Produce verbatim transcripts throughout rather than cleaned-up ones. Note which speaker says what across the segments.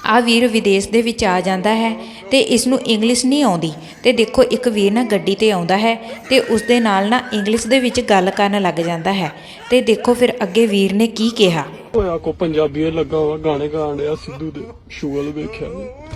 Speaker 1: ਆ ਵੀਰ ਵਿਦੇਸ਼ ਦੇ ਵਿੱਚ ਆ ਜਾਂਦਾ ਹੈ ਤੇ ਇਸ ਨੂੰ ਇੰਗਲਿਸ਼ ਨਹੀਂ ਆਉਂਦੀ ਤੇ ਦੇਖੋ ਇੱਕ ਵੀਰ ਨਾ ਗੱਡੀ ਤੇ ਆਉਂਦਾ ਹੈ ਤੇ ਉਸ ਦੇ ਨਾਲ ਨਾ ਇੰਗਲਿਸ਼ ਦੇ ਵਿੱਚ ਗੱਲ ਕਰਨ ਲੱਗ ਜਾਂਦਾ ਹੈ ਤੇ ਦੇਖੋ ਫਿਰ ਅੱਗੇ ਵੀਰ ਨੇ ਕੀ ਕਿਹਾ।
Speaker 2: ਹੋਇਆ ਕੋ ਪੰਜਾਬੀ ਲੱਗਾ ਵਾ ਗਾਣੇ ਗਾਣ ਡਿਆ ਸਿੱਧੂ ਦੇ ਸ਼ੂਲ ਵੇਖਿਆ।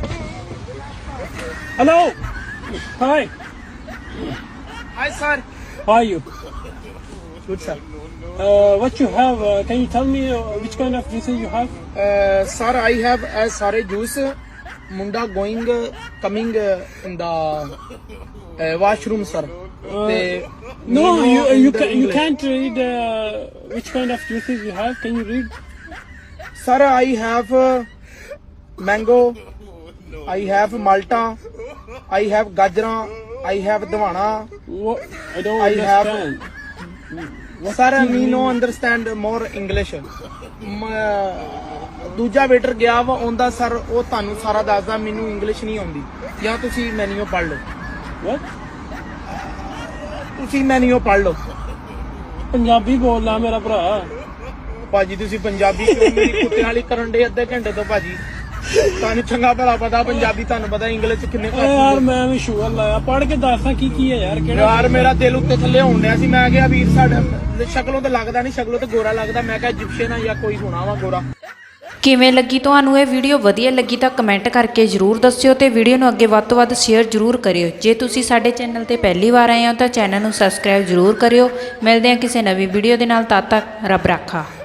Speaker 2: Hello hi
Speaker 3: Hi, sir.
Speaker 2: how are you?
Speaker 3: Good, sir.
Speaker 2: Uh, what you have? Uh, can you tell me uh, which kind of juices you have?
Speaker 3: Uh, sir, I have a sare juice. Munda going, uh, coming uh, in the uh, washroom, sir.
Speaker 2: Uh,
Speaker 3: They
Speaker 2: no,
Speaker 3: Nino
Speaker 2: you
Speaker 3: in
Speaker 2: you
Speaker 3: the
Speaker 2: can you
Speaker 3: English.
Speaker 2: can't read uh, which kind of juices you have. Can you read?
Speaker 3: Sir, I have uh, mango. I have malta. I have gajra. I have dwana.
Speaker 2: What? I don't
Speaker 3: I have-
Speaker 2: understand.
Speaker 3: Sir, me no understand more English. ਮ- ਦੂਜਾ waiter ਗਿਆ ਵਾ ਉਹਦਾ sir ਉਹ ਤੁਹਾਨੂੰ ਸਾਰਾ ਦੱਸਦਾ ਮੈਨੂੰ ਇੰਗਲਿਸ਼ ਨਹੀਂ ਆਉਂਦੀ ਜਾਂ ਤੁਸੀਂ ਮੈਨੂ ਪੜ੍ਹ ਲਓ
Speaker 2: What?
Speaker 3: ਤੁਸੀਂ ਮੈਨੂ ਪੜ੍ਹ ਲਓ
Speaker 2: ਪੰਜਾਬੀ ਬੋਲਦਾ ਮੇਰਾ ਭਰਾ।
Speaker 3: ਭਾਜੀ ਤੁਸੀਂ ਪੰਜਾਬੀ ਕਿਉਂ ਮੇਰੀ ਕੁੱਤੇ ਵਾਲੀ ਕਰਨ ਦੇ ਅੱਧੇ ਘੰਟੇ ਤੋਂ ਭਾਜੀ ਤੁਹਾਨੂੰ ਚੰਗਾ ਭਲਾ ਪਤਾ ਪੰਜਾਬੀ ਤੁਹਾਨੂੰ ਪਤਾ ਇੰਗਲਿਸ਼ ਚ ਕਿੰਨੇ
Speaker 2: ਓਏ ਯਾਰ ਮੈਂ ਵੀ ਸ਼ੂਗਰ ਲਾਇਆ ਪੜ ਕੇ ਦੱਸਾਂ ਕੀ ਕੀ ਹੈ ਯਾਰ ਕਿਹੜਾ
Speaker 3: ਯਾਰ ਮੇਰਾ ਦਿਲ ਉੱਤੇ ਥੱਲੇ ਹੋਣ ਡਿਆ ਸੀ ਮੈਂ ਕਿਹਾ ਵੀਰ ਸਾਡਾ ਸ਼ਕਲੋਂ ਤੇ ਲੱਗਦਾ ਨਹੀਂ ਸ਼ਕਲੋਂ ਤੇ ਗੋਰਾ ਲੱਗਦਾ ਮੈਂ ਕਿਹਾ ਇਜਿਪਸ਼ੀਅਨ ਆ ਜਾਂ ਕੋਈ ਹੋਣਾ ਵਾ ਗੋਰਾ।
Speaker 1: ਕਿਵੇਂ ਲੱਗੀ ਤੁਹਾਨੂੰ ਇਹ ਵੀਡੀਓ? ਵਧੀਆ ਲੱਗੀ ਤਾਂ ਕਮੈਂਟ ਕਰਕੇ ਜ਼ਰੂਰ ਦੱਸਿਓ ਤੇ ਵੀਡੀਓ ਨੂੰ ਅੱਗੇ ਵੱਧ ਤੋਂ ਵੱਧ ਸ਼ੇਅਰ ਜ਼ਰੂਰ ਕਰਿਓ। ਜੇ ਤੁਸੀਂ ਸਾਡੇ ਚੈਨਲ ਤੇ ਪਹਿਲੀ ਵਾਰ ਆਏ ਹੋ ਤਾਂ ਚੈਨਲ ਨੂੰ ਸਬਸਕ੍ਰਾਈਬ ਜ਼ਰੂਰ ਕਰਿਓ। ਮਿਲਦੇ ਹਾਂ ਕਿਸੇ ਨਵੀਂ ਵੀਡੀਓ ਦੇ ਨਾਲ, ਤਦ ਤੱਕ ਰੱਬ ਰਾਖਾ।